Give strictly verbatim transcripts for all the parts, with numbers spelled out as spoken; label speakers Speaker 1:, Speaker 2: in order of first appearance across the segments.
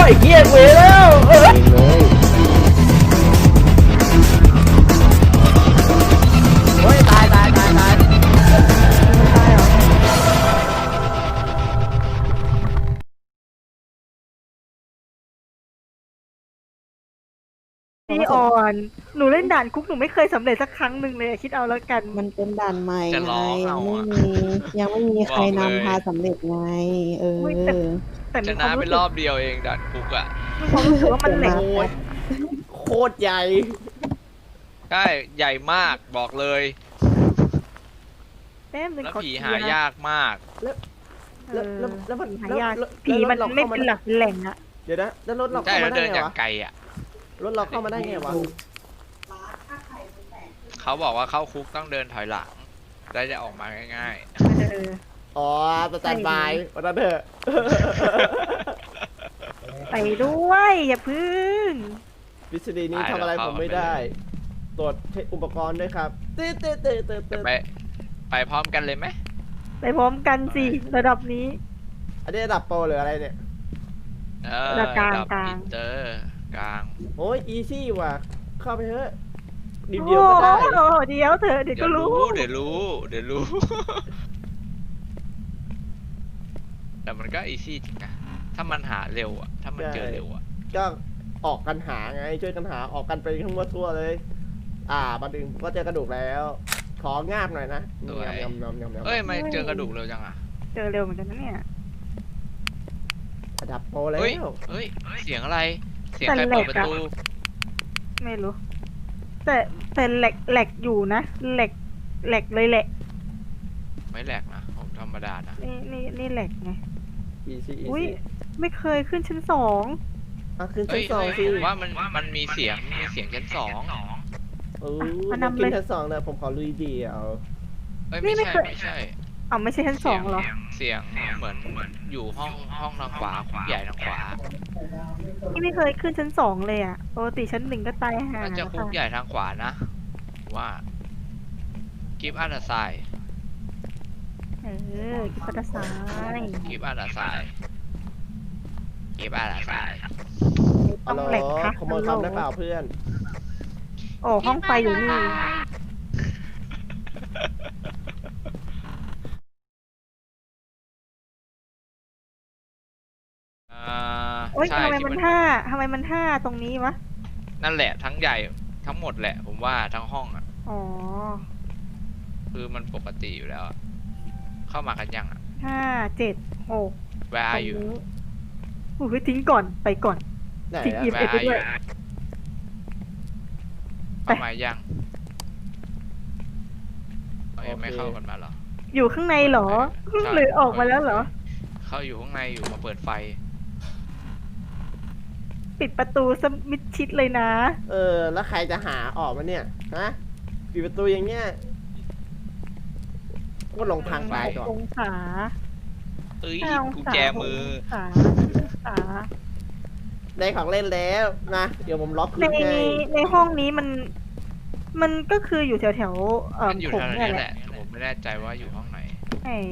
Speaker 1: ไอ้เหี้ยเวแล้วเออ
Speaker 2: เองเลย
Speaker 1: โอ้ยตายตายตายตาย
Speaker 3: ตายเหรอพี่อ่อนหนูเล่นด่านคุกหนูไม่เคยสำเร็จสักครั้งหนึ่งเลยอะคิดเอาแล้วกัน
Speaker 4: มันเป็นด่านใหม่
Speaker 5: จะ
Speaker 4: ไง
Speaker 5: ร้อง
Speaker 4: ยั
Speaker 5: เอา
Speaker 4: งไม่
Speaker 5: อะ
Speaker 4: มียังไม่มีใคร
Speaker 5: บอกเลย
Speaker 4: นำพาสำเร็จไง เออ
Speaker 3: อุ๊ยแต่ แต่
Speaker 5: ช
Speaker 3: มีควา
Speaker 5: นะ
Speaker 3: ม
Speaker 5: ไป
Speaker 3: รู้
Speaker 5: ร
Speaker 3: สึ
Speaker 5: อก บเดียวเองดันคุกอ่ะ
Speaker 3: มีความรู้สึกว่ามันแหลก
Speaker 1: โอ้ยโคตรใหญ่
Speaker 5: ใช่ใหญ่มากบอกเลย
Speaker 3: แป๊บนึง
Speaker 5: แล้ว
Speaker 3: ขอ
Speaker 5: ผี
Speaker 3: เคลี
Speaker 5: หาย
Speaker 3: ร์
Speaker 5: ยากมาก
Speaker 3: เอ
Speaker 1: แล้ว
Speaker 3: อ
Speaker 1: แล้วแล้วมัน
Speaker 3: ผีหายาก
Speaker 1: แล้ว
Speaker 3: ผีมัน
Speaker 1: แล้วรถ
Speaker 3: ไม่
Speaker 1: ข้าา
Speaker 3: เป็นหลักเป็นแหล่งอะ
Speaker 1: เดี๋ยวนะแล้วรถเรา
Speaker 5: ใช่
Speaker 1: เข้า
Speaker 5: แล้
Speaker 1: มาว ได้
Speaker 5: เดิน
Speaker 1: ไง
Speaker 5: อย่าง
Speaker 1: วะ
Speaker 5: ไกลอ่ะ
Speaker 1: รถเราเข้ามาได้ไงวะ
Speaker 5: เขาบอกว่าเข้าคุกต้องเดินถอยหลังได้จะออกมาง่าย
Speaker 3: เออ
Speaker 1: อ๋อสแตนบายวันนั้นเถอะ
Speaker 3: ไปด้วยอย่าพึ่ง
Speaker 1: วิสดีนี้ทำอะไรผมไม่ได้ ตรวจเช็คอุปกรณ์ด้วยครับตืดตืดตืดตืด
Speaker 5: ๆ
Speaker 1: ตื
Speaker 5: จะ
Speaker 1: ด
Speaker 5: ไปไปพร้อมกันเลยไหม
Speaker 3: ไปพร้อมกันสิระดับนี้
Speaker 1: อันนี้ระดับโปรหรืออะไรเนี่ย
Speaker 5: เออ
Speaker 3: ระดับกลาง
Speaker 5: ระดับ
Speaker 3: กลาง
Speaker 5: อินเตอร์กลาง
Speaker 1: โอ้ยอีซี่ว่ะ เข้าไปเถอะดี
Speaker 3: โอ้
Speaker 1: เดียวก็ได้
Speaker 3: โหเดี๋ยวเธอะเดี๋ยว
Speaker 5: เดี๋
Speaker 3: ก็
Speaker 5: ยว
Speaker 3: รู้
Speaker 5: รู้เดี๋ยวรู้เดี๋ยวรู้ แต่มันก็อีซี่จริงนะถ้ามันหาเร็วอ่ะถ้ามันเจอเร็วอ่ะ
Speaker 1: ก็ออกกันหาไงช่วยกันหาออกกันไปทั้งทั่วเลย อ่ามาดึงก็เจอกระดูกแล้ว ของาบหน่อยนะยำยำยำยำ
Speaker 5: เอ้ยไม่เจอกระดูกเร็วจังอ่ะ
Speaker 3: เจอเร็วเหมือนกันนะเนี่ย
Speaker 1: ระดับโปรแล้ว
Speaker 5: เฮ้ยเฮ้ยเสียงอะไร เสียงใคร
Speaker 3: แต่แหล
Speaker 5: เปิด
Speaker 3: ก
Speaker 5: ประ
Speaker 3: อะ
Speaker 5: ตู
Speaker 3: ไม่รู้ แต่แต่แหลกแหลกอยู่นะแหลกแหลกเลยแหละ
Speaker 5: ไม่แหลกนะผมธรรมดานะ
Speaker 3: นี่นี่นี่แหลกไง
Speaker 1: อีซี่อี
Speaker 3: อุ้ย
Speaker 1: ซี่
Speaker 3: ไม่เคยขึ้นชั้นสอง
Speaker 1: อ่ะขึ้นชั้
Speaker 5: เฮ้
Speaker 1: น
Speaker 5: ย
Speaker 1: สอง
Speaker 5: เฮ้ย
Speaker 1: สิ
Speaker 5: ผมว่ามันมันมีเสียงมีเสียงชั้นสอง
Speaker 1: เออผมขึ้นชั้นสองเลยผมขอลุยเดียว
Speaker 5: เอ้ยไม่ใช่ไม่ใช่
Speaker 3: อ๋อไม่ใช่ชั้นสองเหรอ
Speaker 5: เสียงเหมือนเหมือนอยู่ห้องห้องทางขวาคุกใหญ่ทางขวา
Speaker 3: ที่ไม่เคยขึ้นชั้นสองเลยอ่ะปกติชั้นหนึ่งก็ตายห่า
Speaker 5: น่าจะคุกใหญ่ทางขวานะ ว่ากิฟต์อันดาไซ
Speaker 3: เออกิปตาซ้าย
Speaker 5: กิฟต์อันดาไซกิฟต์อันดาไซ
Speaker 1: ฮั
Speaker 3: ต้
Speaker 1: ล
Speaker 3: อง
Speaker 1: โหล
Speaker 3: แหลกค่ะ
Speaker 1: ขโมยคอมได้เปล่าเพื่อน
Speaker 3: โอ้ห้องไฟอยู่นี่
Speaker 5: อ่า
Speaker 3: โอ๊ย
Speaker 5: ใช่
Speaker 3: ทำไม
Speaker 5: ที่
Speaker 3: มัน
Speaker 5: มัน
Speaker 3: ห้าทำไมมันห้าตรงนี้วะ
Speaker 5: นั่นแหละทั้งใหญ่ทั้งหมดแหละ ผมว่าทั้งห้องอ่ะ
Speaker 3: อ๋อ
Speaker 5: คือมันปกติอยู่แล้วอะเข้ามากันยังอ่ะ
Speaker 3: ห้าเจ็ดหก
Speaker 5: Where
Speaker 3: ตร
Speaker 5: are
Speaker 3: ง
Speaker 5: you
Speaker 3: นี้อุ้ยทิ้งก่อนไปก่อน
Speaker 1: ไหน
Speaker 3: ทิ้ง
Speaker 1: อะ
Speaker 3: อีเอ็ด
Speaker 5: Where
Speaker 3: ไป
Speaker 5: are
Speaker 3: ด้วย
Speaker 5: you เข้ามายังเอายังไม่เข้ากันมาเหรอ
Speaker 3: อยู่ข้างในเหรอ
Speaker 5: ใช่
Speaker 3: หรือออกมาแล้วเหรอ
Speaker 5: เข้าอยู่ข้างในอยู่มาเปิดไฟ
Speaker 3: ปิดประตูสมิดชิดเลยนะ
Speaker 1: เออ แล้วใครจะหาออกมาเนี่ย ฮะปิดประตูอย่างเงี้ยก็ลงทางไปก่อน
Speaker 3: องศา
Speaker 5: เอ้ย
Speaker 3: ห้าอง
Speaker 5: กุญ
Speaker 3: ศา
Speaker 5: แจมือ
Speaker 3: หกองศาองศา
Speaker 1: ได้ของเล่นแล้วนะ เดี๋ยวผมล็อก
Speaker 3: ใน
Speaker 1: ลิฟต์ให้
Speaker 3: ในห้องนี้มัน มันก็คืออยู่แถวแถวๆเอ่อ
Speaker 5: มันอยู่
Speaker 3: ผม
Speaker 5: ทาง
Speaker 3: เนี่ย
Speaker 5: นี้
Speaker 3: แห
Speaker 5: แห
Speaker 3: ละ
Speaker 5: ละ ผมไม่แน่ใจว่าอยู่ห้องไหน
Speaker 3: ใช่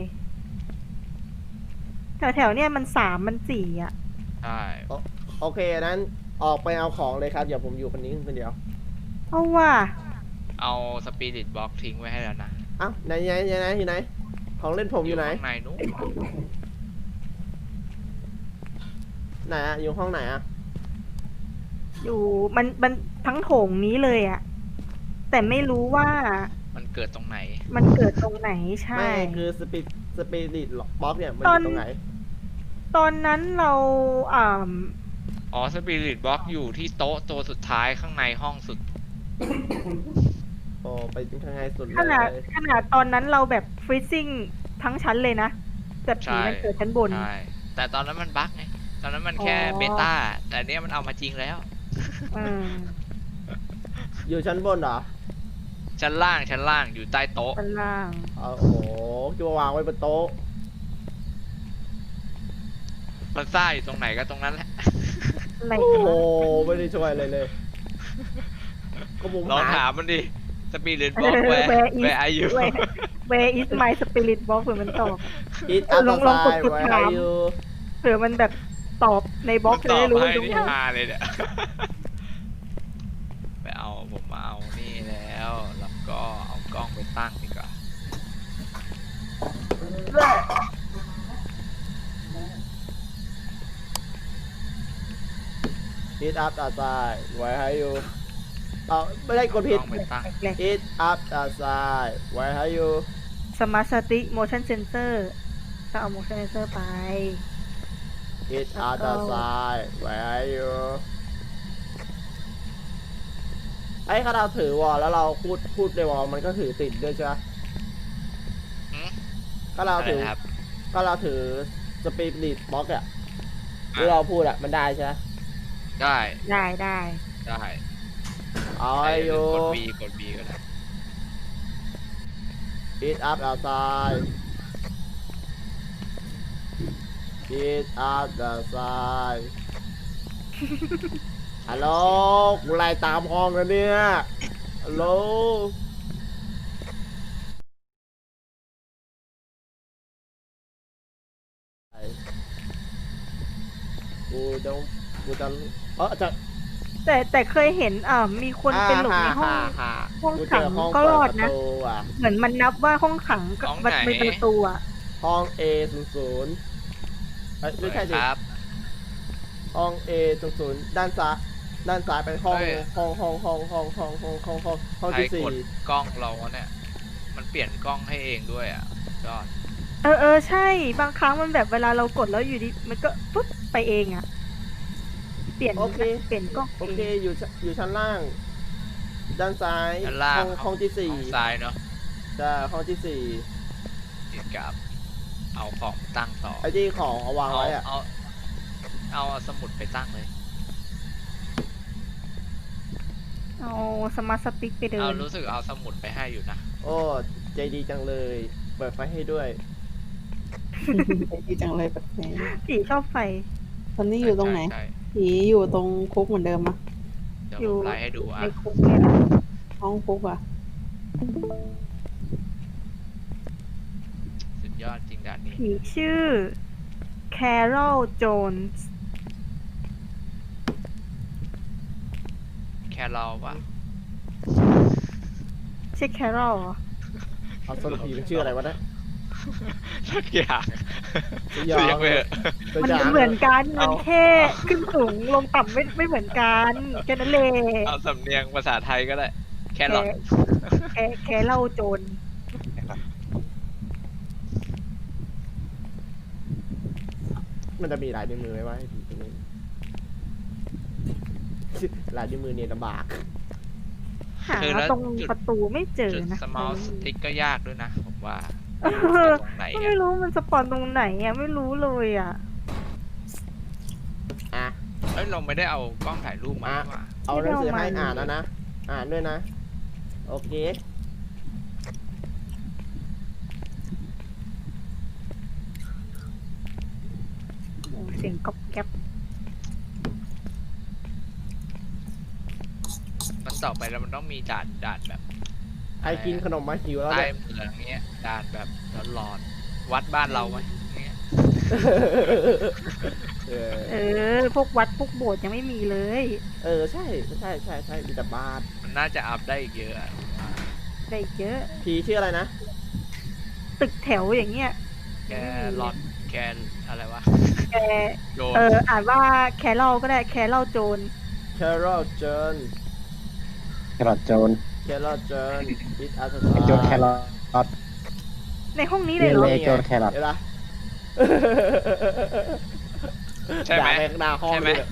Speaker 3: แถวแถวๆเนี่ยมันสามมันสี่อ่ะ
Speaker 5: ใช่
Speaker 1: โอเคนั้นออกไปเอาของเลยครับ เดี๋ยวผมอยู่คนนี้คนเดียว
Speaker 3: เอาว่า
Speaker 5: เอาสปิริตบล็อกทิ้งไว้ให้แล้วนะ
Speaker 1: เอ้าไหนไหนไหนไหนอยู่ไหน ของเล่นผมอยู่ไหน
Speaker 5: ข้างในนู้น
Speaker 1: ไหนอะอยู่ห้องไหนอะ
Speaker 3: อยู่มันมันทั้งโถงนี้เลยอ่ะ แต่ไม่รู้ว่า
Speaker 5: มันเกิดตรงไหน
Speaker 3: มันเกิดตรงไหนใช่
Speaker 1: ไม่คือสปิสปิริตบ็อกเนี่ยมันอ
Speaker 3: ตอน
Speaker 1: ยู่ตรงไหน
Speaker 3: ตอนนั้นเราอ่า
Speaker 5: อ๋อสปิริตบล็อกอยู่ที่โต๊ะตัวสุดท้ายข้างในห้องสุด
Speaker 1: โอ้ไปถึงข้างในสุดเล
Speaker 3: ขนาด
Speaker 1: ย
Speaker 3: ขนาดตอนนั้นเราแบบฟรีซิ่งทั้งชั้นเลยนะแต่ผี
Speaker 5: ใช่
Speaker 3: มันเกิดชั้นบน
Speaker 5: ใช่ แต่ตอนนั้นมันบั๊กไง ตอนนั้นมันแค่
Speaker 3: อ๋อ
Speaker 5: เบต้า แต่เนี้ยมันเอามาจริงแล้ว
Speaker 3: อืม
Speaker 1: อยู่ชั้นบนเหรอ
Speaker 5: ชั้นล่างชั้นล่างอยู่ใต้โต๊ะ
Speaker 3: ชั้นล่าง
Speaker 1: เอาโอ้โหจะวางไว้บนโต๊ะ
Speaker 5: มันซ่าอยู่ตรงไหนก็ตรงนั้นแหละ
Speaker 3: อะไร
Speaker 1: โอ้โห
Speaker 3: วะ
Speaker 1: ไม่ได้ช่วยอะไรเลย ก็ผม
Speaker 5: ลอง
Speaker 1: หา
Speaker 5: ถามมันดิสปิริตบล็อกแวร์
Speaker 3: Where is
Speaker 5: แวร์อายุ
Speaker 3: Where Where is my spirit box เผื่อมันตอบ
Speaker 1: อิทอัพ
Speaker 3: ลองลองกด
Speaker 1: ไซด์
Speaker 3: กด
Speaker 1: ไว้
Speaker 3: ถาม
Speaker 1: อยู่
Speaker 3: เผื่อมันแบบตอบในบล็อก
Speaker 5: ต
Speaker 3: จะ
Speaker 5: อบ
Speaker 3: ได้รู้
Speaker 5: ให้
Speaker 3: ตรง
Speaker 5: นี่
Speaker 3: ไหน
Speaker 5: ฮาเลยเนี่ย ไปเอาผมมาเอานี่แล้วแล้วก็เอากล้องไปตั้งดีกว่า
Speaker 1: อิทอัพตาซายไว้ให้อยู่เอาไม่ได้กดผิด
Speaker 5: กล้องไปตั้ง
Speaker 3: แหลก
Speaker 1: อิทอัพตาซายไว้ให้อยู่
Speaker 3: สมาร์ทสติ๊ก motion sensor ก็เอา motion sensor ไป
Speaker 1: อิทอัพตาซายไว้ให้อยู่ไอ้ถ้าเราถือวอลแล้วเราพูดพูดในวอลมันก็ถือติดด้วยใช่ไหม
Speaker 5: หืม
Speaker 1: ถ้าเรา
Speaker 5: อะไร
Speaker 1: ถือ
Speaker 5: นะครับ
Speaker 1: ถ้าเราถือสปีดบล็อกอะที่เราพูดอะมันได้ใช่ไหม
Speaker 5: ได้
Speaker 3: ได้ได้
Speaker 5: ได้
Speaker 1: เอาให้อยู่
Speaker 5: กด B กด B ก็ได้
Speaker 1: Eat up outside Eat up the side ฮัลโหลกูไล่ตามห้องแล้วเนี่ยฮัลโหลกูจะกูจะเออจะ
Speaker 3: แต่แต่เคยเห็นอ่ามีคนเป็นหลบในห้อง
Speaker 1: อ่า
Speaker 3: ห้อง
Speaker 1: กู
Speaker 3: ขั
Speaker 1: เจ
Speaker 3: ง
Speaker 1: ห้อง
Speaker 3: ก็รอดนะ
Speaker 1: เปิปรตูอ่ะ
Speaker 3: เหมือนมันนับว่าห้องขังก็
Speaker 5: ห้อง
Speaker 3: มัน
Speaker 5: ไหน
Speaker 3: เป็นประตูอ่ะ
Speaker 1: ห้อง A ศูนย์ศูนย์เอ้ยไม่ใช่สิ
Speaker 5: ครับ
Speaker 1: ห้อง A ศูนย์ศูนย์ด้านซ้ายด้านซ้ายเป็นห้อง
Speaker 5: เฮ้ย
Speaker 1: ห้องห้องห้องห้องห้องห้องห้องห้องห้อง
Speaker 5: ใคร
Speaker 1: ที่สี่
Speaker 5: กดกล้องเราเนี่ย มันเปลี่ยนกล้องให้เองด้วยอ่ะยอด
Speaker 3: เออเออใช่ บางครั้งมันแบบเวลาเรากดแล้วอยู่ดีมันก็ปุ๊บไปเองอ่ะ เปลี่ยน
Speaker 1: โอเค
Speaker 3: เปลี่ยนกล้อง
Speaker 1: โอเคอยู่ชั้นอยู่ชั้นล่าง ด้านซ้าย
Speaker 5: ด้านล่าง
Speaker 1: ห้องห้องที่สี่
Speaker 5: ห้องซ้ายเนาะ
Speaker 1: จะห้องที่สี่
Speaker 5: ติดกับ เอาของตั้งต่อ
Speaker 1: ไอ้ที่ของเอาวาง
Speaker 5: เอา
Speaker 1: ไว้อะ
Speaker 5: เอาเอาสมุดไปตั้งเลย
Speaker 3: เอาสมาร์ทสติ๊กไปเดิ
Speaker 5: เอา
Speaker 3: น
Speaker 5: รู้สึกเอาสมุดไปให้อยู่นะ
Speaker 1: โอ้ใจดีจังเลย เปิดไฟให้ด้วย
Speaker 4: ดีจังเลยแบบนี้
Speaker 3: ผีชอบไฟ
Speaker 4: ตอนนี้อยู่ตรงไหน
Speaker 5: ใช่
Speaker 4: ผีอยู่ตรงคุกเหมือนเดิมอะ
Speaker 5: เดี๋ยว
Speaker 3: อยู่
Speaker 5: ผมไล่ให้ดูอ่ะ
Speaker 3: ในคุกเนี่ยนะ
Speaker 4: ห้องคุกอะ
Speaker 5: สุดยอดจริงด่านนี้
Speaker 3: ผีชื่อ Carol Jones
Speaker 5: แค่เราปะ
Speaker 3: ใช่ Carol เหรอ
Speaker 1: เอาสรุปผีมันชื่ออะไรวะเนะ
Speaker 5: สักอย่าง
Speaker 1: สยอง
Speaker 5: เสียงไปเถอะ
Speaker 3: มันเหมือนกันมันแค่ขึ้นสูงลงต่ำไม่ไม่เหมือนกันแค่นั้นเลย
Speaker 5: เอาสำเนียงภาษาไทยก็ได้ แค่หลอด
Speaker 3: แค่แค่เล่าโจร
Speaker 1: มันจะมีลายนิ้วมือไหมวะให้ผีตัวนี้ลายนิ้วมือเนี่ยลำบาก
Speaker 3: หาตรงประตูไม่เจอ
Speaker 5: จุด
Speaker 3: นะ
Speaker 5: สมอลสติ๊กก็ยากด้วยนะ ผมว่า
Speaker 3: เออ
Speaker 5: ตรงไหน
Speaker 3: ไม่
Speaker 5: อะ
Speaker 3: รู้มันสปอนตรงไหนอ่ะไม่รู้เลยอ่ะ
Speaker 1: อ่ะ
Speaker 5: เอ้ยเราไม่ได้เอากล้องถ่ายรูปมา
Speaker 1: อ่ะ
Speaker 5: นี่หว่า
Speaker 1: เอาหนังสือให้อ่านแล้วนะ อ่านด้วยนะ โอเค
Speaker 3: เสียงก๊อบแก๊บ
Speaker 5: มันต่อไปแล้วมันต้องมีด่านด่านแบบ
Speaker 1: ไอกินขนมมาหิวแล้ว
Speaker 5: ใต้
Speaker 1: เนี่ย
Speaker 5: เมืองเงี้ยด่านแบบร้อนๆวัดบ้านเราไหมเงี้ย
Speaker 1: เออ
Speaker 3: เออ พวกวัดพวกโบสถ์ยังไม่มีเลย
Speaker 1: เออใช่ใช่ใช่ใช่มีแต่บ้าน
Speaker 5: มันน่าจะอัพได้อีกเยอะอะ
Speaker 3: ได้เยอะ
Speaker 1: ผีชื่ออะไรนะ
Speaker 3: ตึกแถวอย่างเงี้ย
Speaker 5: แกรอนแกอะไรวะ
Speaker 3: แก
Speaker 5: โดน
Speaker 3: เอออ่านว่าแครอลก็ได้แครอลโจร
Speaker 1: Carol John
Speaker 2: แครอทโจน
Speaker 1: Carol John It as a
Speaker 2: ไอโจนแครอท
Speaker 3: ในห้องนี้เล
Speaker 2: เรี
Speaker 3: ย
Speaker 2: ยน
Speaker 3: เหรอ
Speaker 2: เลยโจนแครอท
Speaker 1: เห็นปะ
Speaker 5: ใช่ไหม
Speaker 1: ด่าแม่งหน้าห้อง
Speaker 5: ใช่ไหม
Speaker 1: เลย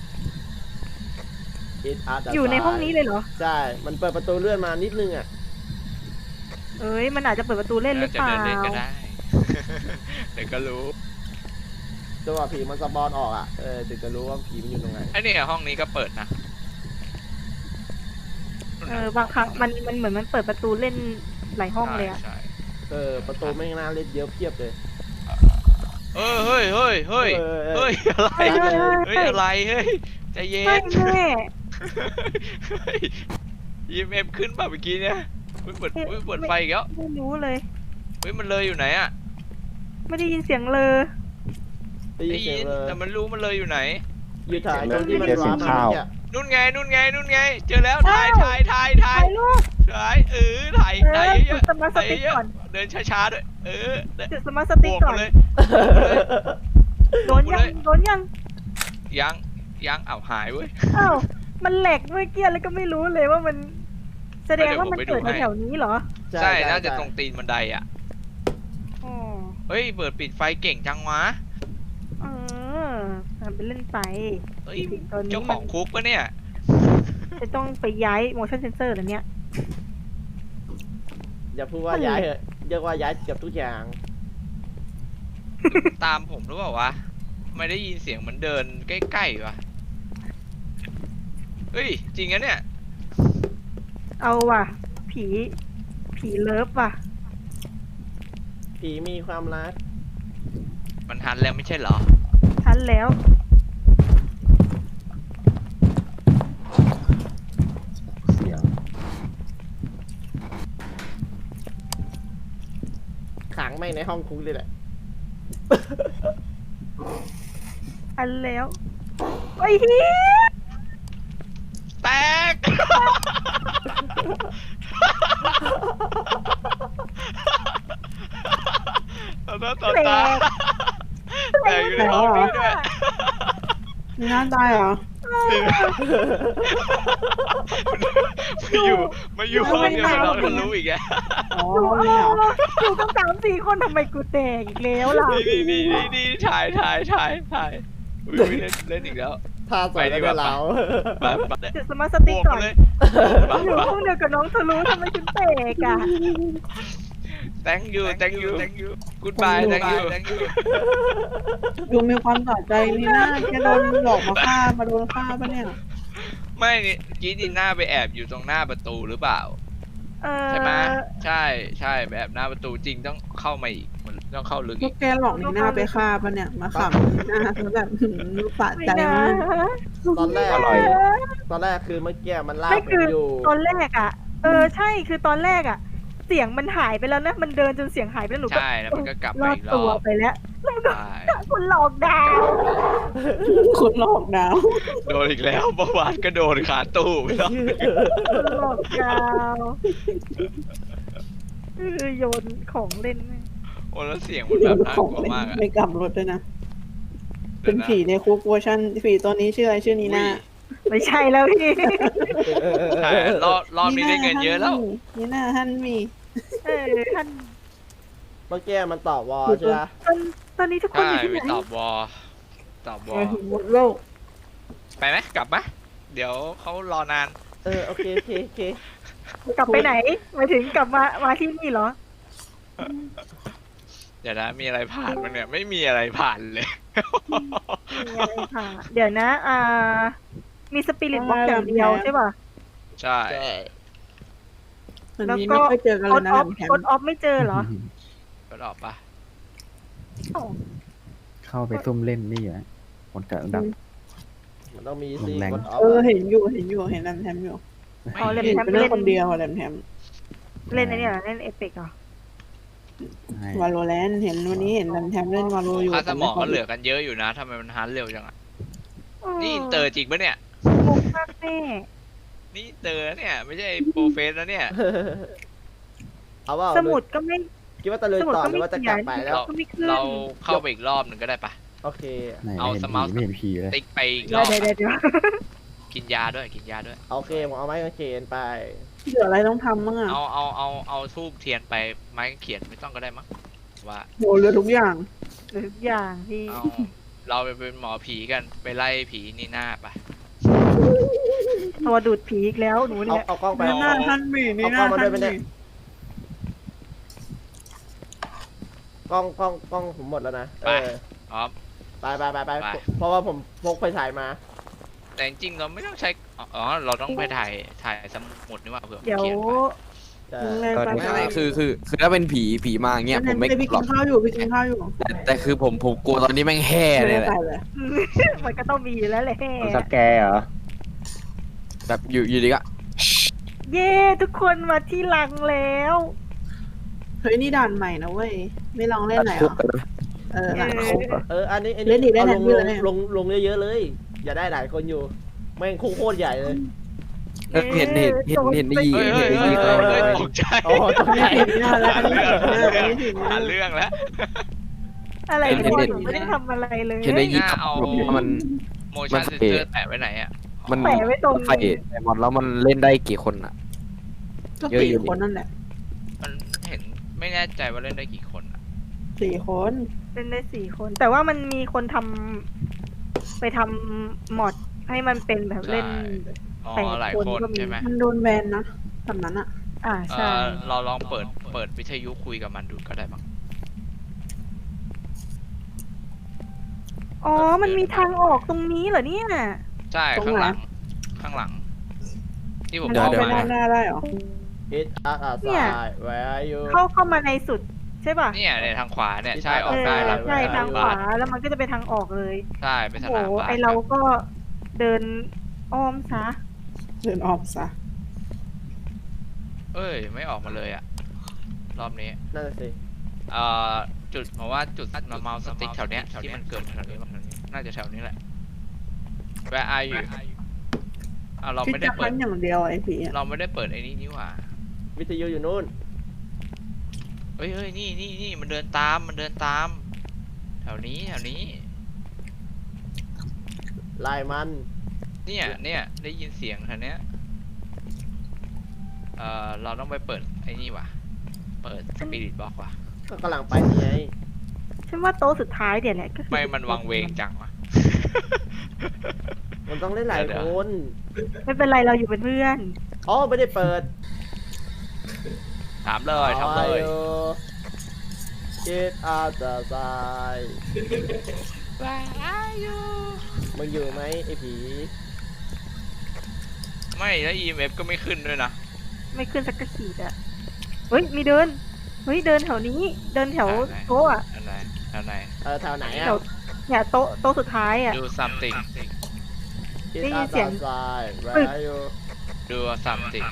Speaker 1: It as a
Speaker 3: อยู่ในห้องนี้เลยเหรอ
Speaker 1: ใช่ มันเปิดประตูเลื่อนมานิดนึงอ่ะ
Speaker 3: เอ้ยมันอาจจะเปิดประตูเล่นหรือเปล่า
Speaker 5: จะเดินเล่นก็ได้ เดี๋ยวก็รู้
Speaker 1: จังหวะผีมันสปอนออกอ่ะ เออถึงจะรู้ว่าผีมันอยู่ตรงไหน
Speaker 5: ไอ้นี่ห้องนี้ก็เปิดนะ
Speaker 3: เออบางครั้งมันมันเหมือนมันเปิดประตูเล่นหลายห้องเลยอะ
Speaker 5: ใช่
Speaker 1: เออ ประตูไม่งน่าเล่นเยอะเพียบเลย
Speaker 5: เออเฮ้ยเฮ้ยเฮ้ย
Speaker 1: เออเออ
Speaker 5: เฮ้ยอะไร
Speaker 3: เฮ้ยเฮ้ย
Speaker 5: เฮ้ยอะไรเฮ้ยใจเย็
Speaker 3: ไม่
Speaker 5: น
Speaker 3: แม่
Speaker 5: ยีเอ็มขึ้นป่ะเมื่อกี้เนี่ยเฮ้ยเปิดเฮ้ยเปิดไฟอีกแล้ว
Speaker 3: ไม่รู้เลย
Speaker 5: เฮ้ยมันเลยอยู่ไหนอะ
Speaker 3: ไม่ได้ยินเสียงเลย
Speaker 1: ได้ยิ
Speaker 5: ได้
Speaker 1: นเสีย
Speaker 5: ยิ
Speaker 1: ง
Speaker 5: น
Speaker 1: เลย
Speaker 5: แต่มันรู้มันเลยอยู่ไหน
Speaker 1: อยู่ถ่ายตรงที่มันว้ามาเนี่ย
Speaker 5: นู่นไงนู่นไงนู่นไง เจอแล้วถ่ายถ่ายถ่ายถ่า
Speaker 3: ถ่าย ยรูป
Speaker 5: ถ่ายเออถ่าย
Speaker 3: เอ
Speaker 5: ถ่าย
Speaker 3: อ
Speaker 5: เย
Speaker 3: จุ
Speaker 5: อะ
Speaker 3: ดสมาร์ท
Speaker 5: ๆ
Speaker 3: ส
Speaker 5: ถ่าย
Speaker 3: ติ๊ก
Speaker 5: เยอะ
Speaker 3: ก่อน
Speaker 5: ๆเดินช้าๆด้วยเออ
Speaker 3: จุดสมาร์ทส
Speaker 5: บ
Speaker 3: ติ๊ก
Speaker 5: วก
Speaker 3: ก่อ
Speaker 5: มาน เลย
Speaker 3: โดนยังโดนยัง
Speaker 5: ยังยังเอาหายเว้ย
Speaker 3: อ้าวมันแหลกเมื่อกี้แล้วก็ไม่รู้เลยว่ามัน แสดงว่ามัน
Speaker 5: เดี๋ยวผมไปดู
Speaker 3: เกิด
Speaker 5: ให้
Speaker 3: แถวๆนี้เหรอ
Speaker 5: ใช่น่าจะตรงตีนบันไดอ่ะ
Speaker 3: อ๋อ
Speaker 5: เฮ้ยเปิดปิดไฟเก่งจังวะ
Speaker 3: เออทำเป็นเล่นไป
Speaker 5: เฮ้ย
Speaker 3: ตอนนี้
Speaker 5: เจ้าของคุกปะเนี่ย
Speaker 3: จะต้องไปย้าย motion sensor แล้วเนี่ย
Speaker 1: อย่าพูดว่าย้ายเถอะเรียกว่าย้ายเกือบทุกอย่าง
Speaker 5: ตามผมหรือเปล่าวะไม่ได้ยินเสียงเหมือนเดินใกล้ๆวะเฮ้ยจริงนะเนี่ย
Speaker 3: เอาว่ะ ผี ผีเลิฟว่ะ
Speaker 1: ผีมีความรัก
Speaker 5: มันหันแล้วไม่ใช่เหรอ
Speaker 3: ทันแล้ว
Speaker 2: เสียง
Speaker 1: ขังไม่งในห้องคุกเลยแหละ
Speaker 3: ทันแล้วไอ้เฮีย
Speaker 5: แตก ต่อหน้าต่อตาแตกอยู่ในห้องนี้ด้วย
Speaker 4: มีหน้าตายเหรอ
Speaker 5: มาอยู่มาอยู่ห้องเดียวกับเราก็รู้อีกแก
Speaker 4: อ๋อ
Speaker 3: อยู่
Speaker 4: ห้องนี้เหรอ
Speaker 3: อยู่กันสามสี่คนทำไมกูแตกอีกแล้วล่ะ
Speaker 5: นี่นี่นี่นี่ถ่ายถ่ายถ่ายถ่ายอุ๊ยเล่นเล่นอีกแล้ว
Speaker 1: ท่าสวยแล้วก็เรา
Speaker 5: แบบแบบ
Speaker 3: จุดสมาร์ทส
Speaker 5: บ
Speaker 3: ติ๊ก
Speaker 5: วก
Speaker 3: ก่อน
Speaker 5: เลย
Speaker 3: อยู่ห้องเดียวกับน้องทะลุทำไมฉันแตกอ่ะ
Speaker 5: thank you thank you thank you goodbye thank you thank you
Speaker 4: ดูมีความสะใจนี่น่าแกโดนหลอกมาฆ่ามาโดนฆ่าปะเนี่ย
Speaker 5: ไม่นี่กี้ดีน่าไปแอบอยู่ตรงหน้าประตูหรือเปล่า
Speaker 3: เออ
Speaker 5: ใช่ไหมใช่ใช่ไปแอบหน้าประตูจริงต้องเข้ามาอีกมันต้องเข้าลึก
Speaker 4: พว
Speaker 5: อี
Speaker 4: ก
Speaker 5: ก
Speaker 4: แกหลอกนี่น่าไปฆ่าปะเนี่ย มาขำนี่น่าแล้วแบบหืมสะ
Speaker 3: ไม่
Speaker 4: ใจ
Speaker 3: นะ
Speaker 4: มาก
Speaker 1: ตอนแรก
Speaker 2: อร่อย
Speaker 1: ตอนแรกคือเมื่อกี้มันลาก
Speaker 3: ไม่
Speaker 1: ผ
Speaker 3: คื
Speaker 1: ม
Speaker 3: อ
Speaker 1: อยู่
Speaker 3: ตอนแรกอ่ะ เออใช่คือตอนแรกอ่ะ เสียงมันหายไปแล้วนะ มันเดินจนเสียงหายไปแล้วหนูก็
Speaker 5: ใช่แล้วมันก็กลับ
Speaker 3: ร
Speaker 5: มา
Speaker 3: อด
Speaker 5: อีกร
Speaker 3: ตัว
Speaker 5: อบ
Speaker 3: ไปแล้วแล้วมันก็
Speaker 5: ใช่
Speaker 3: คุณหลอกดาว
Speaker 4: คนหลอกดาว
Speaker 5: โดนอีกแล้วประวัติก็โดนขาตู้ไปแล้ว
Speaker 3: คุณหลอกดาวเออโยนของเล่นแม่ง
Speaker 5: โอ้แล้วเสียงมันแบบน่ากลัวมากอะ
Speaker 4: ไม่กลับรถด้วยนะ เป็นผีในคุกเวอร์ชันผีตัวนี้ชื่ออะไรชื่อนีน่า
Speaker 3: ไม่ใช่แล้วพี่
Speaker 5: ใช่รอบรอบนี้ได้เงินเยอะแล้ว
Speaker 4: นีน่าฮันมี
Speaker 3: เออท่าน
Speaker 1: เมื่อกี้มันตอบวอลใช่ไหม
Speaker 3: ตอนตอนนี้ทุกคน
Speaker 5: ใช่
Speaker 3: อยู่ที่
Speaker 5: ไป
Speaker 3: ไหน
Speaker 5: ตอบวอลตอบวอ
Speaker 4: ไป
Speaker 5: ล
Speaker 4: ถึงหมดโลก
Speaker 5: ไปไหมกลับไหมเดี๋ยวเขารอนาน
Speaker 1: เออโอเคโอเคโอเค
Speaker 3: กลับไปไหนหมายถึงกลับมามาที่นี่เหรอ
Speaker 5: เดี๋ยวนะมีอะไรผ่านมันเนี่ยไม่มีอะไรผ่านเลย
Speaker 3: มีอะไรค่ะ เดี๋ยวนะ อ่า มีสปิริตบ็อกอย่างเดียวใช่ป่ะ
Speaker 5: ใช่
Speaker 1: ใช่
Speaker 4: มัน
Speaker 3: แล้ว
Speaker 4: มี
Speaker 3: ก็
Speaker 4: ไม่ค่อยเจอกัน
Speaker 3: ก
Speaker 4: เลย
Speaker 3: ด
Speaker 4: นะ
Speaker 3: ออฟ
Speaker 4: แถม
Speaker 3: กดออฟไม่เจอเหรอ
Speaker 5: ก็ออกปะ
Speaker 3: อ๋อ
Speaker 2: เข้าไปซุ่มเล่นนี่อ่ะคนเกิดดับ
Speaker 1: มันต้องมีซี
Speaker 2: แรง
Speaker 1: กดออฟ
Speaker 4: เออเห็นอยู่เห็นอยู่เห็นแรมแทมอยู่
Speaker 3: อ๋อเล่น
Speaker 4: เห็น
Speaker 3: แทม
Speaker 4: เป็น
Speaker 3: เล่
Speaker 4: เรื่อง
Speaker 3: น
Speaker 4: คนเดียวอะแรมแทม
Speaker 3: เล่นไอ้นี่เหรอเล่นเอพิกเหรอ
Speaker 2: ใช่
Speaker 4: วาโลแรนเห็นวันนี้เห็นแรมแทมเล่นวาโลอยู่
Speaker 5: ค่าสมองก็เหลือกันเยอะอยู่นะทำไมมันฮันเร็วจังอ่ะนี่อินเตอร์จริงปะเนี่ย
Speaker 3: งงมากแม่
Speaker 5: นี่อินเตอร์นะเนี่ยไม่ใช่โปรเฟสนะเนี่ย
Speaker 1: เอาว่า
Speaker 3: สมุดก็ไม่
Speaker 1: คิดว่าตะลุยต่อหรือว่าจะกลับไปแล้ว
Speaker 3: ก็ไม่ขึ้น
Speaker 5: เราเข้าไปอีกรอบหนึ่งก็ได้ปะ
Speaker 1: โอเค
Speaker 2: ไหน
Speaker 5: เอา
Speaker 2: ไม่เห็น
Speaker 5: ส
Speaker 2: ผี
Speaker 5: มาร์ท
Speaker 2: ไม่เห็นผีเลย
Speaker 5: ติ๊กไปอีกร
Speaker 3: เดี๋ย
Speaker 5: อ
Speaker 3: ว
Speaker 5: บ
Speaker 3: เดี๋ยวเดี๋ยวเดี๋ยว
Speaker 5: กินยาด้วยกินยาด้วย
Speaker 1: โอเคผมเอาไม้กางเขนไป
Speaker 4: เหลืออะไรต้องทำบ้างอ่ะ
Speaker 5: เอาเอาเอาเอาทูบเทียนไปไม้เขียนไม่ต้องก็ได้มั้งว่า
Speaker 4: โหเหลือทุกอย่าง
Speaker 3: หรือทุกอย่างที่
Speaker 5: เอาเราไปเป็นหมอผีกันไปไล่ผีนี่หน้าปะ
Speaker 3: ตัวดูดผีอีกแล้วหนู
Speaker 1: เอา
Speaker 3: เนี่ย
Speaker 1: เอากล้องไป
Speaker 4: นี่หน้าฮันมีนี่หน้า
Speaker 1: เอากล้องมา
Speaker 4: ฮั
Speaker 1: ด้วย
Speaker 4: น
Speaker 1: ไปเนี่
Speaker 4: มี
Speaker 1: ย กล้องกล้องกล้องผมหมดแล้วนะเออ
Speaker 5: พร้อม
Speaker 1: ไปไปไปไป
Speaker 5: ไป
Speaker 1: เพราะว่าผมพกไฟฉายมา
Speaker 5: แต่จริงๆเราไม่ต้องใช้อ๋อเราต้องไปถ่ายถ่ายสมุดนี่ว่าเผื่อ
Speaker 3: เดี๋ยว
Speaker 5: เขียนไป
Speaker 1: ใช่
Speaker 4: แรงไป
Speaker 6: ไม่ไม่คือคือคือถ้าเป็นผีผีมาอย่างเงี้ยผมไม่
Speaker 4: พี่
Speaker 6: กลั
Speaker 4: กิ
Speaker 6: วน หรอก
Speaker 4: ข้าวอยู่พี่กินข้าวอยู่
Speaker 6: แต่แต่คือผมผมกลัวตอนนี้แม่งแห่เลยแหละ
Speaker 4: ใส่เลย
Speaker 3: มันก็ต้องมีอยู่แล้วแหละ
Speaker 2: มันสแกร์เหรอ
Speaker 6: แบบอยู่อยู่ดีก็
Speaker 3: เย้ทุกคนมาที่ลังแล้ว
Speaker 4: เฮ้ยนี่ด่านใหม่นะเว้ยไม่ลองเล่นไหน
Speaker 6: คุ
Speaker 4: อ่ะ
Speaker 6: กเลยนะ
Speaker 4: เออหลังคุก
Speaker 1: เอออันนี้อัน
Speaker 4: เล่
Speaker 1: นี้
Speaker 4: นดีได้
Speaker 1: เอาล
Speaker 4: ทัน
Speaker 1: ง
Speaker 4: ที
Speaker 1: ล
Speaker 4: เล
Speaker 1: ง
Speaker 4: ย
Speaker 1: ลงลงเยอะๆเลย อย่าได้หลายคนอยู่แม่งโคตรใหญ่เลย
Speaker 6: เออเห็นเห็นเห็นเห็นได้ยิน
Speaker 5: เฮ้ย
Speaker 6: เห็
Speaker 5: เฮ้
Speaker 6: น
Speaker 5: ย
Speaker 6: ได้
Speaker 5: เฮ้ย
Speaker 6: ยิน
Speaker 5: เฮ้ยเฮ้ยตกใจ
Speaker 1: อ๋อตรงไหน
Speaker 4: ผิดหน้าแล้วอันนี้ผิดหน้าอันนี้ผิดหน้า
Speaker 5: หาเรื่องแล้ว
Speaker 3: อะไร
Speaker 6: เห็น
Speaker 3: เนี่ย
Speaker 6: เห็น
Speaker 3: หนูไม่ได้ทำอะไรเลย
Speaker 6: เห็นได้ยิน
Speaker 5: หน้าเอา
Speaker 6: ว่ามัน
Speaker 5: motion
Speaker 6: มัน
Speaker 5: sensor แปะไว้ไหนอ่ะ
Speaker 6: มัน
Speaker 3: แปะไว้ตรง
Speaker 6: ไฟไฟหมดแล้วมันเล่นได้กี่คนอ่ะ
Speaker 4: ก็
Speaker 6: เยอะ
Speaker 4: สี่
Speaker 6: อยู่
Speaker 4: คนนั่นแหละ
Speaker 5: มันเห็นไม่แน่ใจว่าเล่นได้กี่คนอ่ะ
Speaker 4: สี่คน
Speaker 3: เป็นได้สี่คน แต่ว่ามันมีคนทำไปทำมอดให้มันเป็นแบบเล่น
Speaker 5: อ๋อ
Speaker 3: แปด
Speaker 5: หลาย
Speaker 3: คน
Speaker 5: คน
Speaker 3: ก็มี
Speaker 5: ใช่ไหม
Speaker 4: มันโดนแบนนะแบบนั้นอะ
Speaker 3: อ่า
Speaker 5: เอ
Speaker 3: ใช่
Speaker 5: อเราลองเปิดเปิดวิทยุคุยกับมันดูก็ได้มั้ง
Speaker 3: อ๋อ มันมีทางออกตรงนี้เหรอเนี่ย
Speaker 5: ใช่ข้างหลัง ข้างหลัง ที่ผม
Speaker 4: มัน
Speaker 6: เดี๋ยว
Speaker 4: เอา
Speaker 6: เดี๋
Speaker 4: ไป
Speaker 6: ยว
Speaker 4: ด้านหน้าได้เหรอ
Speaker 1: It at a
Speaker 3: เนี่ย
Speaker 1: side where are you
Speaker 3: เข้าเข้ามาในสุดใช่ป่ะ
Speaker 5: เนี่ยในทางขวาเนี่ยใช่อ
Speaker 3: เอ
Speaker 5: อก
Speaker 3: อ
Speaker 5: ได้แล้ว
Speaker 3: ใช่
Speaker 1: เวลา
Speaker 3: ทางขวาแล้วมันก็จะเป็นทางออกเลย
Speaker 5: ใช่เป็นส
Speaker 3: โอ้
Speaker 5: นาม
Speaker 3: โห
Speaker 5: บาส
Speaker 3: ไอเราก็เดินอ้อมซะ
Speaker 4: เดินออกซะ
Speaker 5: เอ้ยไม่ออกมาเลยอ่ะรอบนี้
Speaker 1: นั่นน่ะสิ
Speaker 5: เอ่อจุดผมว่าจุดมาเมาสติ๊กแถวเนี้ยที่มันเกิดแถวนี้มั้งน่าจะแถวนี้แหละ Where are you อ่ะเรา
Speaker 4: ที่
Speaker 5: ไม่ได้
Speaker 4: จะ
Speaker 5: เปิ
Speaker 4: คั
Speaker 5: ด
Speaker 4: นอย่างเดียวไอ้ผีอะ
Speaker 5: เราไม่ได้เปิดไอ้นี่นี่หว่า
Speaker 1: วิทยุอยู่นู่น
Speaker 5: เฮ้ยเฮ้ยนี่นี่นี่มันเดินตามมันเดินตาม แถวนี้แถวนี้
Speaker 1: ไล่มัน
Speaker 5: เนี่ยเนี่ยได้ยินเสียงแถวเนี้ยเอ่อเราต้องไปเปิดไอ้นี่ว่ะเปิดสปิริตบอกว่ะ
Speaker 1: ก็กำลังไปนี่ไง
Speaker 3: ฉันว่าโต๊ะสุดท้ายเดี๋ยวแหละก็คือ
Speaker 5: ไม่มันวังเวงจังว่ะ
Speaker 1: มันต้องเล่นหลาย
Speaker 5: เดี๋ยว
Speaker 1: คน
Speaker 3: ไม่เป็นไรเราอยู่เป็นเพื่อน
Speaker 1: อ๋อไม่ได้เปิด
Speaker 5: ถามเลยถามเลย
Speaker 1: It at the side
Speaker 5: Where are you
Speaker 1: มึงอยู่ไหมไอ้ผี
Speaker 5: ไม่แล้ว อี เอ็ม เอฟ ก็ไม่ขึ้นด้วยนะ
Speaker 3: ไม่ขึ้นสักกระขีดอะเฮ้ยมีเดิน เฮ้ยเดินแถวนี้ เดินแถวโต๊ะอะ
Speaker 5: อันไหนอันไหน
Speaker 1: เออแถวไหน
Speaker 3: แถ
Speaker 1: อ่ะ
Speaker 3: วเนี่ยโต๊ะโต๊ะสุดท้ายอะ
Speaker 5: do something
Speaker 1: It
Speaker 3: ได้ยิน
Speaker 1: at
Speaker 3: เสีย
Speaker 1: the
Speaker 3: ง
Speaker 1: side
Speaker 3: ปึ๊
Speaker 1: Where
Speaker 3: ก
Speaker 1: are you
Speaker 5: do something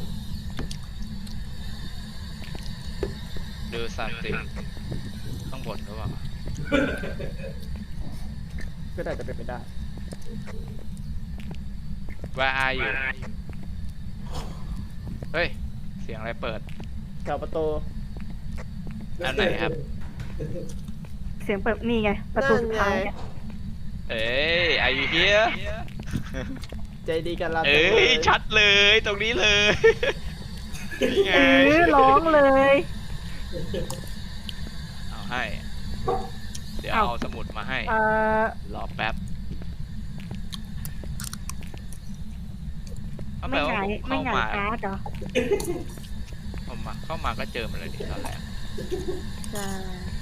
Speaker 5: do something ข้างบนหรือเปล่า
Speaker 1: ก็ได้จะเป็นไปได้
Speaker 5: Where are you เฮ้ย เสียงอะไรเปิด
Speaker 1: แถวประตู
Speaker 5: อันไหนครับ
Speaker 3: เสียงเปิดนี่ไง ประตูสุดท้ายอะ
Speaker 5: เอ้ย are you here
Speaker 1: ใจดีกันละ
Speaker 5: เอ้ย ชัดเลยตรงนี้เลยนี่ไง
Speaker 3: เออร้องเลย
Speaker 5: เอาให้ เดี๋ยว
Speaker 3: เอา
Speaker 5: เอาสมุดมาให้
Speaker 3: เอ่อ
Speaker 5: รอแป๊บเอา
Speaker 3: ไม่
Speaker 5: แปล
Speaker 3: ห
Speaker 5: ว่
Speaker 3: งาย
Speaker 5: ผม
Speaker 3: ไม่
Speaker 5: เข้า
Speaker 3: หงาย
Speaker 5: มา
Speaker 3: การ์ดเหรอ
Speaker 5: ผมมาเข้ามาก็เจอมันเลยดิตอนแรก
Speaker 3: ใช่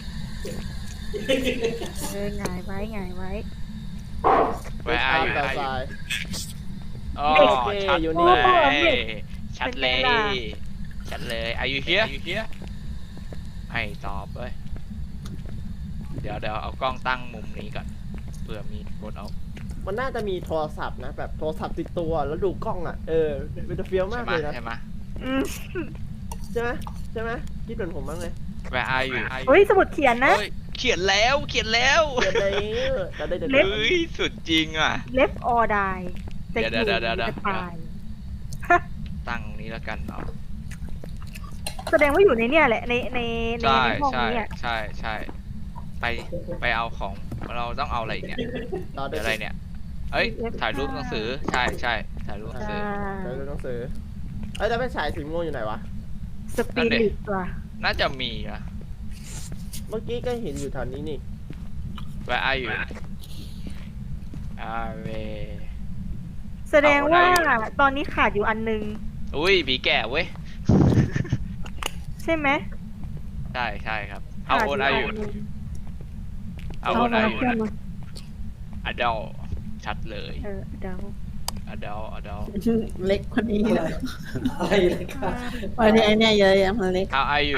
Speaker 3: เออหงายไว้หงายไว้
Speaker 5: Where are you
Speaker 1: แถวซ้าย
Speaker 5: อ๋อ
Speaker 1: โอเค
Speaker 5: ชัด
Speaker 1: อยู่
Speaker 5: เล
Speaker 1: นี่
Speaker 5: ย ชัดเลย ชัดเลย Are you here ให้ตอบเว้ย เดี๋ยวเดี๋ยวเอากล้องตั้งมุมนี้ก่อน เผื่อมีกดเอา
Speaker 1: มันน่าจะมีโทรศัพท์นะ แบบโทรศัพท์ติดตัวแล้วดูกล้องอ่ะ เออมันจะเฟี้ยว
Speaker 5: ใช่
Speaker 1: มาก
Speaker 5: ไหม
Speaker 1: เลยนะ
Speaker 5: ใช่ไหม
Speaker 3: อืม
Speaker 1: ใช่ไหมใช่ไหมคิดเหมือนผมบ้างเลย
Speaker 5: Where are you
Speaker 3: เฮ้ยสมุดเขียนนะ
Speaker 5: เฮ้ยเขียนแล้วเขียนแล้ว
Speaker 1: เดี๋ยวได้จะได้เดี๋ยว
Speaker 3: เล็บ
Speaker 5: เฮ้ย สุดจริงอ่ะ
Speaker 3: left or die จะอ
Speaker 5: เดี๋ยว
Speaker 3: ยู่
Speaker 5: เดี๋ยวเดี๋ยว
Speaker 3: จะตาย
Speaker 5: ตั้งนี้แล้วกันเนาะ
Speaker 3: แสดงว่าอยู่ในเนี่ยแหละ ในในใน
Speaker 5: ใช่
Speaker 3: ในห้อง
Speaker 5: ใช่
Speaker 3: นี้อะ
Speaker 5: ใช่ใช่ไปไปเอาของเราต้องเอาอะไรอีกเนี่ย
Speaker 1: รอด้
Speaker 5: เดี๋
Speaker 1: วย
Speaker 5: ยวอะไรเนี่ย เอ้ย ถ่ายรูปหนังสือ ใช่ใช่ถ่ายรูปหนังสือ
Speaker 1: เดี๋ยวดูหนังสือเอ้ยแต่เป็นฉายสีม่วงอยู่ไหนวะ
Speaker 3: สปิริตว่ะ
Speaker 5: น่าจะมีนะ
Speaker 1: เมื่อกี้ก็เห็นอยู่แถวนี้นี่
Speaker 5: Where are you อาเว
Speaker 3: แสดงว่า
Speaker 5: เอาได้
Speaker 3: ตอนนี้ขาดอยู่อันนึง
Speaker 5: อุ้ยผีแก่เว้ย
Speaker 3: ใช่ไหม
Speaker 5: ใช่ใช่ครับ How
Speaker 3: ขาด
Speaker 5: old
Speaker 3: อ
Speaker 5: are
Speaker 3: ยู่
Speaker 5: you
Speaker 3: อันนึง
Speaker 5: How
Speaker 4: เอา
Speaker 5: old
Speaker 4: มา
Speaker 5: are you
Speaker 4: เพื่อนมา
Speaker 5: adult ชัดเลย
Speaker 3: เออเดา
Speaker 5: adult adult
Speaker 4: เล็กคนนี้เลย
Speaker 7: อะไรเลยค่ะ
Speaker 4: วันนี้ไอเนี่ยเยอะแยะมันเล็ก
Speaker 5: How are you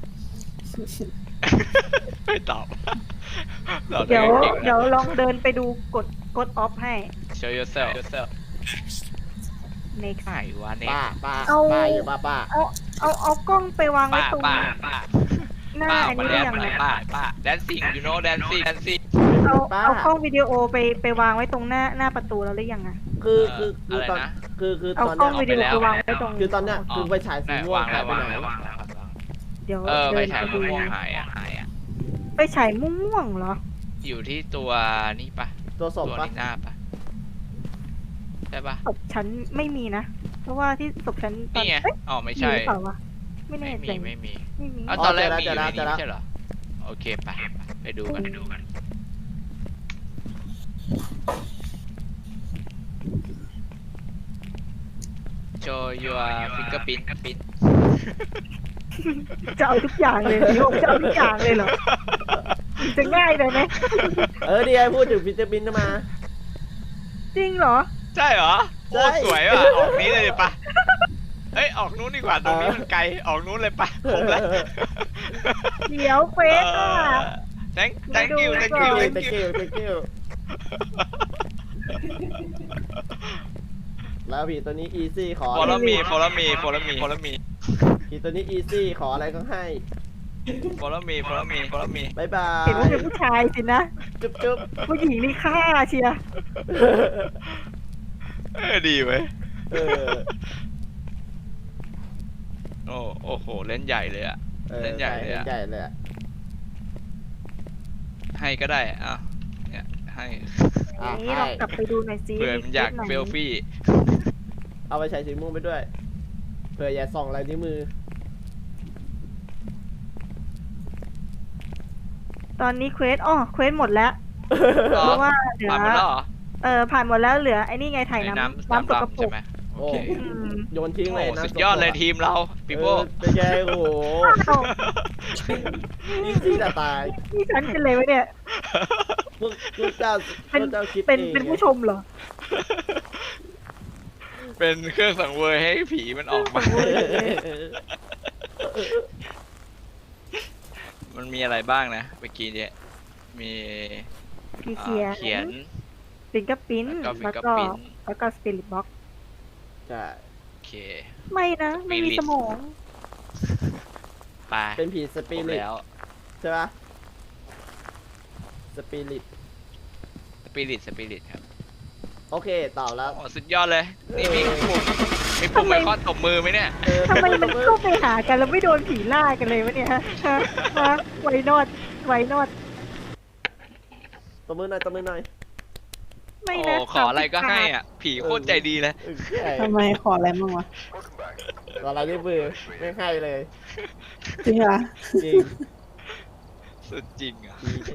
Speaker 5: ไม่ตอบตอบ
Speaker 3: เดี๋ยว
Speaker 5: เก่ง
Speaker 3: เดี๋ยว
Speaker 5: นะ
Speaker 3: ลองเดินไปดูกดกดออฟให้
Speaker 5: Show yourself
Speaker 3: next
Speaker 5: ไหนวะเนี่ย
Speaker 1: ป้าป้า
Speaker 3: เอา
Speaker 1: ป้าอยู่ป้าป้า
Speaker 3: เอาเอาเอากล้องไปวางไว้
Speaker 5: ป้า
Speaker 3: ตรง
Speaker 5: ป้าป้า
Speaker 3: หน้า
Speaker 5: ป้า
Speaker 3: อัน
Speaker 5: มา
Speaker 3: นี้
Speaker 5: แด
Speaker 3: ได้
Speaker 5: น
Speaker 3: ยัง
Speaker 5: มา
Speaker 3: ไง
Speaker 5: เลยป้าป้า dancing you know dancing dancing
Speaker 3: เอา
Speaker 1: ป้า
Speaker 3: เอากล้องวิดีโอไปไปวางไว้ตรงหน้าหน้าประตูแล้วหรือยังอะ
Speaker 1: คือคือ
Speaker 5: เอ่
Speaker 1: คือ อตอน
Speaker 5: อะไรนะ
Speaker 1: คือคือ
Speaker 3: เอา
Speaker 1: ตอน
Speaker 3: กล้
Speaker 1: เนี้
Speaker 3: อง
Speaker 1: ย
Speaker 3: วิดีโอ
Speaker 5: เอา
Speaker 3: ไป
Speaker 5: ไปแล้ว
Speaker 3: วางไว้ตรง
Speaker 1: คือตอนเนี้ยคือไฟฉายสี
Speaker 5: ได้
Speaker 1: ม่วง
Speaker 5: วาง
Speaker 1: หา
Speaker 5: แล้
Speaker 1: ยว ไป
Speaker 5: วาง
Speaker 1: ไหน
Speaker 5: แล้ววางแล้ววางแล้ว
Speaker 3: เดี๋ยว
Speaker 5: เออ
Speaker 3: เดิ
Speaker 5: ไป
Speaker 3: น
Speaker 5: ฉาย
Speaker 3: ไปดู
Speaker 5: ม่วงๆหายอ่ะหายอ่ะ
Speaker 3: ไปฉายม่วงๆเหรอ
Speaker 5: อยู่ที่ตัวนี่ปะ
Speaker 1: ตัวศ
Speaker 5: ตั
Speaker 1: พ
Speaker 5: ว
Speaker 1: ปะ
Speaker 5: นีหน้าปะใช่ปะ
Speaker 3: ศพฉันไม่มีนะ เพราะว่าที่ศพฉันตอน
Speaker 5: นี่ไง
Speaker 3: เอ๊ะ
Speaker 5: อ๋อไม่
Speaker 3: มี
Speaker 5: ใช่
Speaker 3: หรือเปล่าวะไม่
Speaker 5: ไม่
Speaker 3: แน่
Speaker 5: มี
Speaker 3: ใจ
Speaker 5: ไม่มี
Speaker 3: ไม่มี
Speaker 5: อ้าวตอนแรกมีอยู่ในนี้ไม่ใช่เหรอโอเคไปไปดูกันไปดูกัน show your fingerprint print
Speaker 3: จะเอาทุกอย่างเลยพี่โอจะเอาทุกอย่างเลยเหรอจะง่ายเลยไหม
Speaker 1: เออดีไอพูดถึงฟิเจอร์บินมา
Speaker 3: จริงเหรอ
Speaker 5: ใช่เหรอ
Speaker 1: ใช่
Speaker 5: โอ้สวยว่ะออกนี้เลยปะเฮ้ยออกนู้นดีกว่าตรงนี้มันไกลออกนู้นเลยปะครบแล้ว
Speaker 3: เดี๋ยวเควสอ่ะ
Speaker 5: thank thank you thank
Speaker 3: ดู
Speaker 5: you
Speaker 3: ก่อน
Speaker 1: เต
Speaker 5: thank
Speaker 1: เก
Speaker 5: you
Speaker 1: ลเตเกลแล้วผีตัวนี้อีซี่ขอ
Speaker 5: follow me follow me follow me follow me
Speaker 1: ผีตัวนี้อีซี่ขออะไรก็ให้
Speaker 5: follow me follow me follow me
Speaker 1: บายบา
Speaker 3: เห็นว่าเป็
Speaker 1: ย
Speaker 3: นผู้ชายสินะ
Speaker 1: จุ๊บจุ๊บ
Speaker 3: ผู้หญิงนี่ฆ่าเชียร์
Speaker 5: เออดีเว้ย
Speaker 1: เออ
Speaker 5: โอ้โอ้โหเล่นใหญ่เลยอะ
Speaker 1: ออ
Speaker 5: เล่นใหญ่เลยอะ
Speaker 1: ใหญ่เลยอะ
Speaker 5: ให้ก็ได้อ่ะเนี่ยให้
Speaker 1: อ่ะ
Speaker 3: นี่
Speaker 1: ให้
Speaker 3: ลองกลับไปดูหน่อยซิ
Speaker 5: เผื่อมันอยาก
Speaker 3: คลิปไหน
Speaker 5: เฟลฟี่
Speaker 1: เอาไปใช้สีม่วงไปด้วยเผื่ออย่าส่องลายนิ้วมือ
Speaker 3: ตอนนี้เควสอ๋อเควสหมดแล้ว
Speaker 5: อ๋อ
Speaker 3: เพราะว่าเหลือ
Speaker 5: ผ่านมาแล้วเหรอ
Speaker 3: เออผ่านหมดแล้วเหลือไอ้นี่ไงถ่าย
Speaker 5: ไอ้
Speaker 3: น้ำ
Speaker 5: น้ำ
Speaker 3: น้ำสก
Speaker 5: น้ำ
Speaker 3: ปร
Speaker 5: ดำใช่
Speaker 3: ก
Speaker 5: ไหมโอเค
Speaker 3: อืม
Speaker 1: โยนทิ้ง
Speaker 5: โอ้
Speaker 1: เลยนะ
Speaker 5: สุดยอดเลยทีมเราปีโป้
Speaker 1: เออเป็นไงโอ้โห
Speaker 3: อ้าว
Speaker 1: อีซี่จะตาย
Speaker 3: นี่ฉันเป็นเลยวะเนี่ย
Speaker 1: พวกพวกเจ้าพ
Speaker 3: เป็น
Speaker 1: วกเจ้าคิด
Speaker 3: เป็น
Speaker 1: อง
Speaker 3: เป็นผู้ชมเหรอ
Speaker 5: เป็นเครื่องสังเวยให้ผีมันออกมา มันมีอะไรบ้างนะเมื่อกี้เนี่ยมี
Speaker 3: มี
Speaker 5: อ่า
Speaker 3: เขียน
Speaker 5: เขียน
Speaker 3: ฟิงเกอร์ปิ้น
Speaker 5: แล้วก็
Speaker 3: แล้วก็
Speaker 5: fingerprint
Speaker 3: แล้วก็สปิริตบ็อก
Speaker 1: ใช่
Speaker 5: โอเค
Speaker 3: ไม่นะ ไม่มี
Speaker 5: Spirit
Speaker 3: สมอง
Speaker 5: ไป
Speaker 1: เป็นผีส
Speaker 5: คร
Speaker 1: ปิ
Speaker 5: บ
Speaker 1: ริต
Speaker 5: แล้ว
Speaker 1: ใช่ปะสปิริต
Speaker 5: สปิริตสปิริตครับ
Speaker 1: โอเคตอบแล้ว
Speaker 5: โอ้สุดยอดเลย นี่มีปุ่มมีปุ่มไอคอนตบมือไหมเนี่ย
Speaker 1: เออ
Speaker 3: ทำไมมันเข้าไปหากันแล้วไม่โดนผีล่ากันเลยวะเนี่ยฮะฮะฮะไวนอดไวนอด
Speaker 1: ตบมือหน่อยตบมือหน่อย
Speaker 3: ไม่
Speaker 5: โอ้
Speaker 3: นะ
Speaker 5: ขออะไรก็ให้อ่ะ ผีโคตรใจดีเลย
Speaker 1: เออใช่
Speaker 4: ทำไมขออะไรบ้างวะ
Speaker 1: ขออะไรนิ้วมือไม่ให้เลย
Speaker 4: จริงเหรอ
Speaker 1: จริง
Speaker 5: สุดจริงอ่ะ
Speaker 1: ผี